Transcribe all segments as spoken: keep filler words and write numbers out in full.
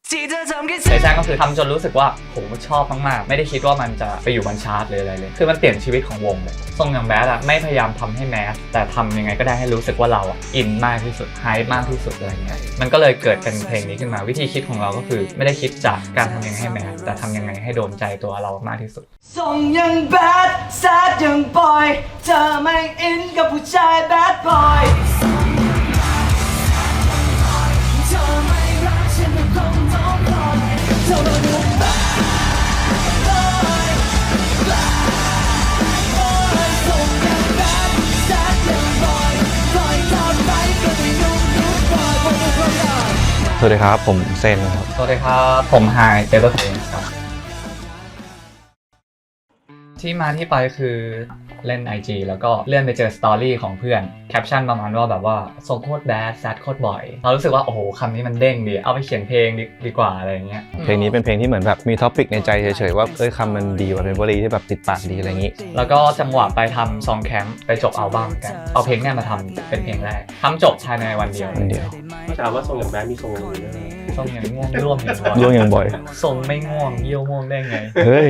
ในแซงก็คือทำจนรู้สึกว่าผมชอบมากๆไม่ได้คิดว่ามันจะไปอยู่บนชาร์ตหรืออะไรเลยคือมันเปลี่ยนชีวิตของวงเลยทรงอย่างแบดอะไม่พยายามทำให้แมสแต่ทำยังไงก็ได้ให้รู้สึกว่าเราอะอินมากที่สุดไฮมากที่สุดอะไรเงี้ยมันก็เลยเกิดเป็นเพลงนี้ขึ้นมาวิธีคิดของเราก็คือไม่ได้คิดจากการทำยังไงให้แมสแต่ทำยังไงให้โดนใจตัวเรามากที่สุดทรงยังแบดแซดยังบอยเธอไม่อินกับผู้ชายแบดบอยเธอไม่รักฉันก็คงต้องปล่อยเธอมาดูแบดบอยแบดบอยทรงยังแบดแซดยังบอยปล่อยทอดไปก็ไม่นุ่มนุ่มบอยบอยบอยสวัสดีครับผมเซนครับสวัสดีครับผมไฮเจเตอร์เทนครับที่มาที่ไปคือเล่น ไอ จี แล้วก็เลื่อนไปเจอสตอรี่ของเพื่อนแคปชั่นประมาณว่าแบบว่าทรงโคตรแบดแซดโคตรบ่อยเรารู้สึกว่าโอ้โหคำนี้มันเด้งดีเอาไปเขียนเพลงดดีกว่าอะไรอย่างเงี้ยเพลงนี้เป็นเพลงที่เหมือนแบบมีท็อปิกในใจเฉยๆว่าเอ้ยคำมันดีว่าเป็นวลีที่แบบติดปากดีอะไรอย่างงี้แล้วก็จังหวะไปทำซองแคมป์ไปจบอัลบั้มกันเอาเพลงนี้มาทำเป็นเพลงแรกทำจบภายในวันเดียววันเดียวก็ถามว่าทรงอย่างแบดมีทรงอะไรด้วยทรงอย่างง่วงร่วมอย่างบ่อยร่วมอย่างบ่อยทรงไม่ง่วงเยี่ยวง่วงได้ไงเฮ้ย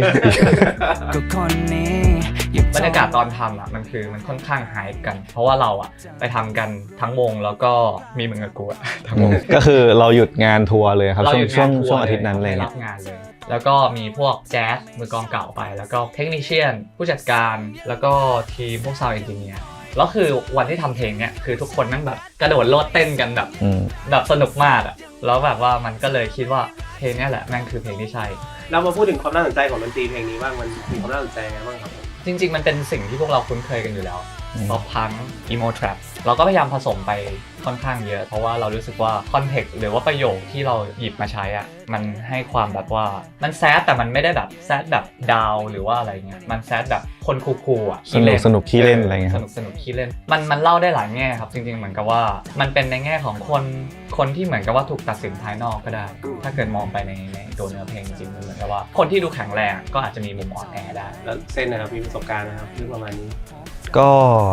บรรยากาศตอนทำอ่ะมันคือมันค่อนข้างไฮป์กันเพราะว่าเราอ่ะไปทำกันทั้งวงแล้วก็มีมึงกับกูอ่ะทั้งวงก็คือเราหยุดงานทัวร์เลยครับช่วงช่วงช่วงอาทิตย์นั้นเลยรับงานเลยแล้วก็มีพวกแจ๊สมือกลองเก่าไปแล้วก็เทคนิคเชียนผู้จัดการแล้วก็ทีมพวกซาวด์เอนจิเนียร์แล้วคือวันที่ทำเพลงเนี้ยคือทุกคนนั่งแบบกระโดดโลดเต้นกันแบบแบบสนุกมากอ่ะแล้วแบบว่ามันก็เลยคิดว่าเพลงนี้แหละแม่งคือเพลงที่ใช่เรามาพูดถึงความน่าสนใจของดนตรีเพลงนี้บ้างมันมีความน่าสนใจไงบ้างครับจริงๆมันเป็นสิ่งที่พวกเราคุ้นเคยกันอยู่แล้วป๊อปพังอีโมทรัปเราก็พยายามผสมไปค่อนข้างเยอะเพราะว่าเรารู้สึกว่าคอนเทกต์หรือว่าประโยคที่เราหยิบมาใช้อ่ะมันให้ความแบบว่ามันแซดแต่มันไม่ได้แบบแซดแบบดาวหรือว่าอะไรเงี้ยมันแซดแบบคนคูลๆอ่ะสนุกสนุกขี้เล่นอะไรเงี้ยสนุกสนุกขี้เล่นมันมันเล่าได้หลายแง่ครับจริงๆเหมือนกับว่ามันเป็นในแง่ของคนคนที่เหมือนกับว่าถูกตัดสินภายนอกก็ได้ถ้าเกิดมองไปในในตัวเนื้อเพลงจริงๆมันเหมือนกับว่าคนที่ดูแข็งแรงก็อาจจะมีมุมอ่อนแอได้แล้วเซนนะครับมีประสบการณ์นะครับเรื่องประมาณนี้ก็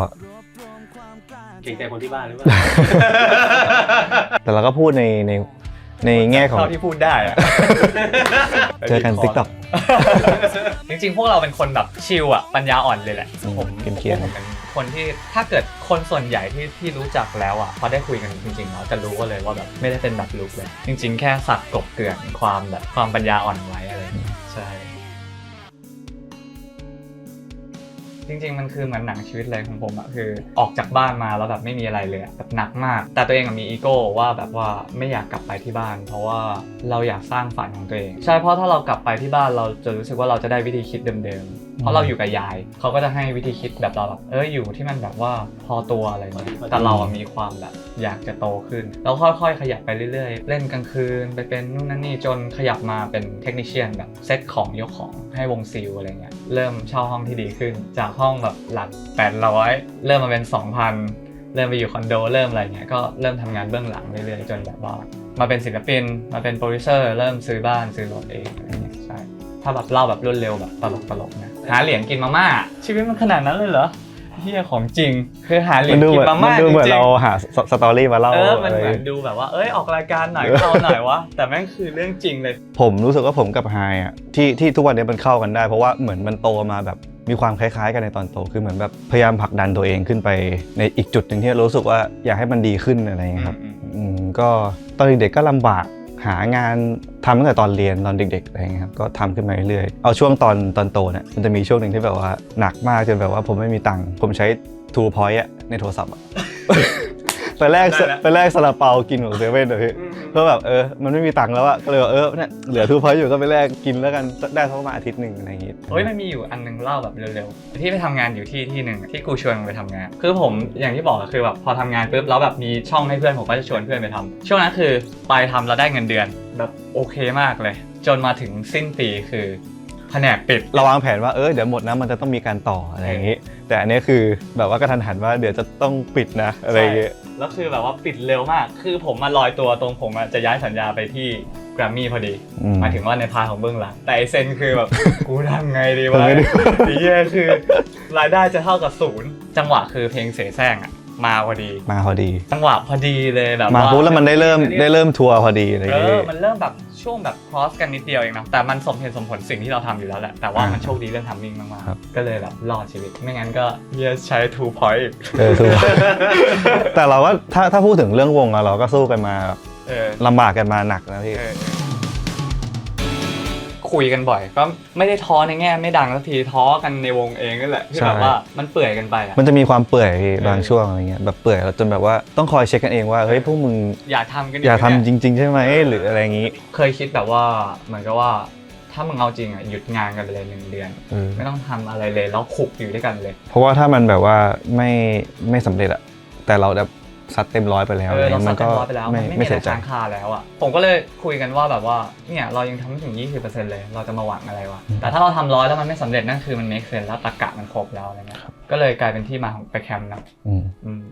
เก่งใจคนที่บ้านหรือเปล่าแต่เราก็พูดในในในแง่ของเท่าที่พูดได้อะเจอกัน ติ๊กต็อกจริงๆพวกเราเป็นคนแบบชิลอะปัญญาอ่อนเลยแหละผมเกียร์ผมเป็นคนที่ถ้าเกิดคนส่วนใหญ่ที่ที่รู้จักแล้วอะพอได้คุยกันจริงๆเราจะรู้ก็เลยว่าแบบไม่ได้เป็นแบบลุกเลยจริงๆแค่สักกบเกลื่อนความแบบความปัญญาอ่อนไว้อะไรใช่จริงๆมันคือเหมือนหนังชีวิตเลยของผมอะคือออกจากบ้านมาแล้วแบบไม่มีอะไรเลยแบบหนักมากแต่ตัวเองมีอีโก้ว่าแบบว่าไม่อยากกลับไปที่บ้านเพราะว่าเราอยากสร้างฝันของตัวเองใช่เพราะถ้าเรากลับไปที่บ้านเราจะรู้สึกว่าเราจะได้วิธีคิดเดิมๆเพราะเราอยู่กับยายเขาก็จะให้วิธีคิดแบบเราแบบเอออยู่ที่มันแบบว่าพอตัวอะไรเงี้ยแต่เรามีความแบบอยากจะโตขึ้นแล้วค่อยๆขยับไปเรื่อยๆเล่นกลางคืนไปเป็นนู่นนั่นนี่จนขยับมาเป็นเทคนิคเชียนแบบเซตของยกของให้วงซิลอะไรเงี้ยเริ่มเช่าห้องที่ดีขึ้นจากห้องแบบหลักแปดร้อยเริ่มมาเป็น สองพัน เริ่มไปอยู่คอนโดเริ่มอะไรเงี้ยก็เริ่มทำงานเบื้องหลังเรื่อยๆจนแบบว่ามาเป็นศิลปินมาเป็นโปรดิวเซอร์เริ่มซื้อบ้านซื้อรถเองอะไรเงี้ยใช่ถ้าแบบเล่าแบบรวดเร็วแบบตลกๆนะหาเหรียญกินมาม่าชีวิตมันขนาดนั้นเลยเหรอเฮียของจริงคือหาเหรียญกินมาม่าจริงๆมันดูเหมือนเราหาสตอรี่มาเล่าเออมันเหมือนดูแบบว่าเอ้ยออกรายการหน่อยเข้าหน่อยวะแต่แม่งคือเรื่องจริงเลยผมรู้สึกว่าผมกับไฮอ่ะที่ที่ทุกวันนี้มันเข้ากันได้เพราะว่าเหมือนมันโตมาแบบมีความคล้ายๆกันในตอนโตคือเหมือนแบบพยายามผลักดันตัวเองขึ้นไปในอีกจุดหนึ่งที่รู้สึกว่าอยากให้มันดีขึ้นอะไรเงี้ยครับอืมก็ตอนเด็กๆก็ลำบากหางานทำตั้งแต่ตอนเรียนตอนเด็กๆอะไรเงี้ยครับก็ทำขึ้นมาเรื่อยๆเอาช่วงตอนตอนโตเนี่ยมันจะมีช่วงหนึ่งที่แบบว่าหนักมากจนแบบว่าผมไม่มีตังค์ผมใช้ทูพอยต์อะในโทรศัพท์อะไปแรกไปแรกซาลาเปากินของเซเว่นเลยเพราะแบบเออมันไม่มีตังค์แล้วอะก็เลยเออเนี่ยเหลือทูพอยต์อยู่ก็ไปแลกกินแล้วกันได้ประมาณอาทิตย์หนึ่งอะไรอย่างงี้เฮ้ยมันมีอยู่อันนึงเล่าแบบเร็วๆที่ไปทำงานอยู่ที่ที่หนึ่งที่กูชวนไปทำงานคือผมอย่างที่บอกคือแบบพอทำงานปุ๊บแล้วแบบมีช่องให้เพื่อนผมก็จะชวนเพื่อนไปทำช่วงนั้นคือไปทำแล้วได้เงินเดือนแบบโอเคมากเลยจนมาถึงสิ้นปีคือแผนกปิดเราวางแผนว่าเออเดี๋ยวหมดนะมันจะต้องมีการต่ออะไรอย่างงี้แต่อันนี้คือแบบว่ากระทันหันว่าเดี๋ยวจะต้องปิดนะอะไรอย่างเงี้ยแล้วคือแบบว่าปิดเร็วมากคือผมมาลอยตัวตรงผมจะย้ายสัญญาไปที่แกรมมี่พอดีหมายถึงว่าในพาร์ทของเบื้องหลังแต่ไอเซนคือแบบกูทำไงดีวะดีแย่คือรายได้จะเท่ากับศูนย์จังหวะคือเพลงเสแสร้งอ่ะมาพอดีมาพอดีจังหวะพอดีเลยแบบมาว่าปุ๊บแล้วมันได้เริ่มได้เริ่มทัวร์พอดีอะไรอย่างเอเงี้อย มันเริ่มแบบช่วงแบบ cross กันนิดเดียวเองนะแต่มันสมเหตุสมผลสิ่งที่เราทำอยู่แล้วแหละแต่ว่าอ่ามัมันโชคดีเรื่องทัมมิ่งมากครับๆก็เลยแบบรอดชีวิตไม่งั้นก็เฮียใช้ two point อีกเออถูก แต่เราก็ถ้าถ้าพูดถึงเรื่องวงอะเราก็สู้กันมาเออลำบากกันมาหนักนะพี่เออคุยกันบ่อยก็ไม่ได้ท้อในแง่ไม่ดังสักทีท้อกันในวงเองนั่นแหละที่แบบว่ามันเปื่อยกันไปอะมันจะมีความเปื่อยพี่เออบางช่วงอะไรเงี้ยแบบเปื่อยจนแบบว่าต้องคอยเช็คกันเองว่าเฮ้ยพวกมึงอยากทำกันอยากทำเนี่จริง ๆ ใช่ไหมหรืออะไรอย่างงี้เคยคิดแบบว่าเหมือนกับว่าถ้ามึงเอาจริงอ่ะหยุดงานกันไปเลยหนึ่งเดือนเออไม่ต้องทำอะไรเลยแล้วขุกอยู่ด้วยกันเลยเพราะว่าถ้ามันแบบว่าไม่ไม่สำเร็จอะแต่เราแบบซัดเต็มร้อยไปแล้วเออเรามัซัดก็เต็มร้อยไปแล้วไม่มันไม่ไม่มีอะเสีไรยใจค้างคาแล้วอ่ะผมก็เลยคุยกันว่าแบบว่าเนี่ยเรายังทำไม่ถึง ยี่สิบเปอร์เซ็นต์ เลยเราจะมาหวังอะไรวะแต่ถ้าเราทำร้อยแล้วมันไม่สำเร็จนั่นคือมันไม่เกินแล้วตรรกะมันครบแล้วอะไรเงี้ยก็เลยกลายเป็นที่มาของไปแคมป์นะอืมอืม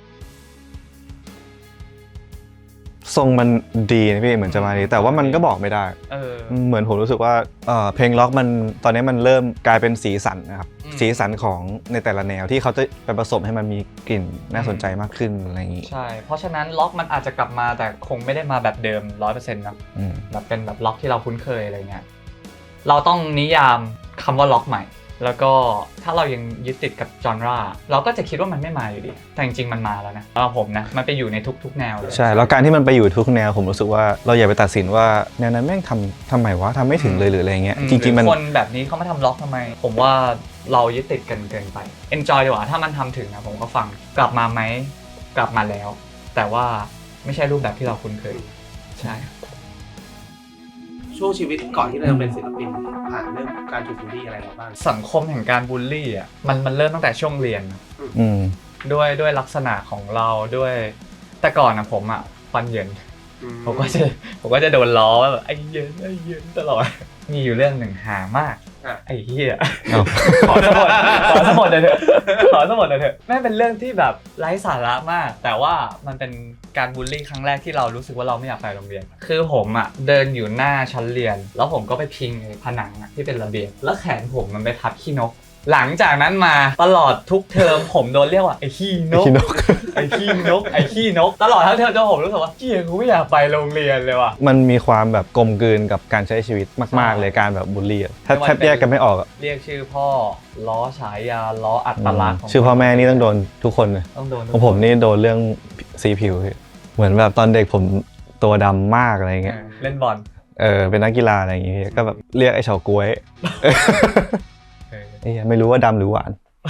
ทรงมันดีนะพี่เหมือนจะมาดีแต่ว่ามันก็บอกไม่ได้เออเหมือนผมรู้สึกว่าเอ่อเพลงล็อกมันตอนนี้มันเริ่มกลายเป็นสีสันนะครับอืมสีสันของในแต่ละแนวที่เขาจะไปผสมให้มันมีกลิ่นน่าสนใจมากขึ้นอะไรอย่างนี้ใช่เพราะฉะนั้นล็อกมันอาจจะกลับมาแต่คงไม่ได้มาแบบเดิม ร้อยเปอร์เซ็นต์ นะอืมแบบเป็นแบบล็อกที่เราคุ้นเคยอะไรเงี้ย เราต้องนิยามคำว่าล็อกใหม่ แล้วก็ถ้าเรายังยึดติดกับจอนราเราก็จะคิดว่ามันไม่มาอยู่ดี แต่จริงๆมันมาแล้วนะสำหรับผมนะ มันไปอยู่ในทุกๆแนวเลยใช่แล้วการที่มันไปอยู่ทุกแนวผมรู้สึกว่าเราอย่าไปตัดสินว่าแนวนั้นแม่งทำทำไมวะทำไม่ถึงเลยหรืออะไรเงี้ยอืมจริงๆมันหอคนแบบนี้เขามาทำล็อกทำไม ผมว่าเรายึดติดกันเกินไป enjoy ดีกว่า ถ้ามันทำถึงนะผมก็ฟัง กลับมาไหม กลับมาแล้ว แต่ว่าไม่ใช่รูปแบบที่เราคุ้นเคย ใช่ช่วงชีวิตก่อนที่เราจะเป็นศิลปินผ่านเรื่องการถูกบูลลี่อะไรมาบ้างสังคมแห่งการบูลลี่อ่ะ มันมันเริ่มตั้งแต่ช่วงเรียนอืมด้วยด้วยลักษณะของเราด้วยแต่ก่อนนะผมอ่ะฟันเหยินผมก็จะผมก็จะโดนล้อว่าแบบไอ้เหยินไอ้เหยินตลอด มีอยู่เรื่องหนึ่งหามากอ่ะไอ้เหี้ยเอ้าขอสมดขอสมดเลยเถอะขอสมดเลยเถอะแม่งเป็นเรื่องที่แบบไร้สาระมาก แต่ว่ามันเป็นการบูลลี่ครั้งแรกที่เรารู้สึกว่าเราไม่อยากไปโรงเรียน คือผมอ่ะเดินอยู่หน้าชั้นเรียน แล้วผมก็ไปพิงไอ้ผนังอ่ะที่เป็นระเบียงแล้วแขนผมมันไปทับขี้นก หลังจากนั้นมาตลอดทุกเทอมผมโดนเรียกว่าไอ้ขี้นกขี้นกไอ้ขี้นกไอ้ขี้นกตลอดทั้งเทอมจนผมรู้สึกว่าเหี้ยกูไม่อยากไปโรงเรียนเลยว่ะมันมีความแบบกลมกลืนกับการใช้ชีวิตมากใช่ๆ เลยการแบบบูลลี่อะแทบไม่ว่าแทบแยกกันไม่ออกอะเรียกชื่อพ่อล้อฉายาล้ออัตลักษณ์ขงชื่อพ่อแม่นี่ต้องโดนทุกคนเลยต้องโดนของผมนี่โดนเรื่องสีผิวพี่เหมือนแบบตอนเด็กผมตัวดำมากอะไรเอเงี้ยอเล่นบอลเออเป็นนักกีฬาอะไรอย่างเงี้ยก็แบบเรียกไอ้เฉาก๊วยเออเอ้ยไม่รู้ว่าดำหรือหวาน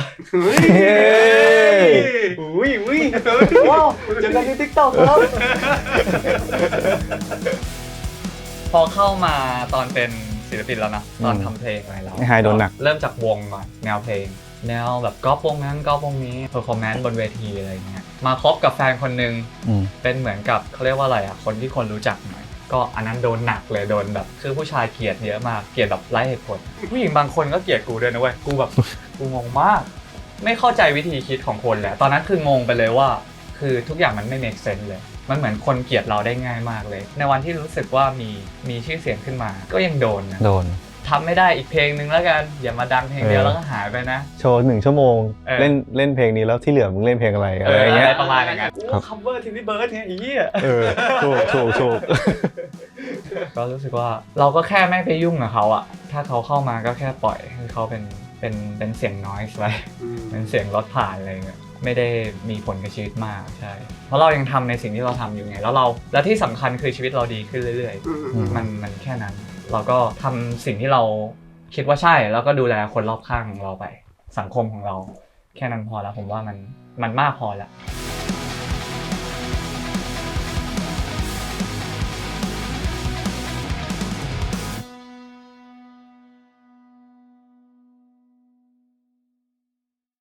อุ้ยอุ้ยว้าวเจอกันในทิกตอกครับ พอเข้ามาตอนเป็นศิลปินแล้วนะตอนทำเพลงอะไรแล้วไอ้ไฮโดนหนักเริ่มจากวงก่อนแนวเพลง แนวแบบก๊อปวงนั้นก๊อปวงนี้เพอร์ฟอร์แมนซ์บนเวทีอะไรเงี้ยมาคบกับแฟนคนหนึ่งอืมเป็นเหมือนกับเขาเรียกว่าอะไรอ่ะคนที่คนรู้จักหน่อยก็อันนั้นโดนหนักเลยโดนแบบคือผู้ชายเกลียดเยอะมากเกลียดแบบไร้เหตุผลผู้หญิงบางคนก็เกลียดกูด้วยนะเว้ยกูแบบ กูงงมาก ไม่เข้าใจวิธีคิดของคนแหละตอนนั้นคืองงไปเลยว่า คือทุกอย่างมันไม่ make sense เลย มันเหมือนคนเกลียดเราได้ง่ายมากเลย ในวันที่รู้สึกว่ามีมีชื่อเสียงขึ้นมา ก็ยังโดนนะโดนทำไม่ได้อีกเพลงนึงแล้วกันอย่ามาดังเพลงเดียวเออแล้วก็หายไปนะโชว์หนึ่งชั่วโมงเออเล่นเล่นเพลงนี้แล้วที่เหลือมึงเล่นเพลงอะไรอะเอไรออย่างอะเงี้ไรยประมาณอย่างนั้นครับคัมเวอร์ทีนี่เบิร์ดเนี่ยไอ้เหี้ยเออถูกถูกถูกก็รู้สึกว่าเราก็แค่ไม่ไปยุ่งกับเขาอะถ้าเขาเข้ามาก็แค่ปล่อยให้เขาเป็นเป็นเป็นเสียงน้อยไป เป็นเสียงรถผ่านอะไรเงี้ยไม่ได้มีผลกับชีวิตมากใช่เพราะเรายังทำในสิ่งที่เราทำอยู่ไงแล้วเราและที่สำคัญคือชีวิตเราดีขึ้นเรื่อยๆมันมันแค่นั้น เราก็ทำสิ่งที่เราคิดว่าใช่แล้วก็ดูแลคนรอบข้างของเราไป สังคมของเราแค่นั้นพอแล้วผมว่ามันมันมากพอแล้วเ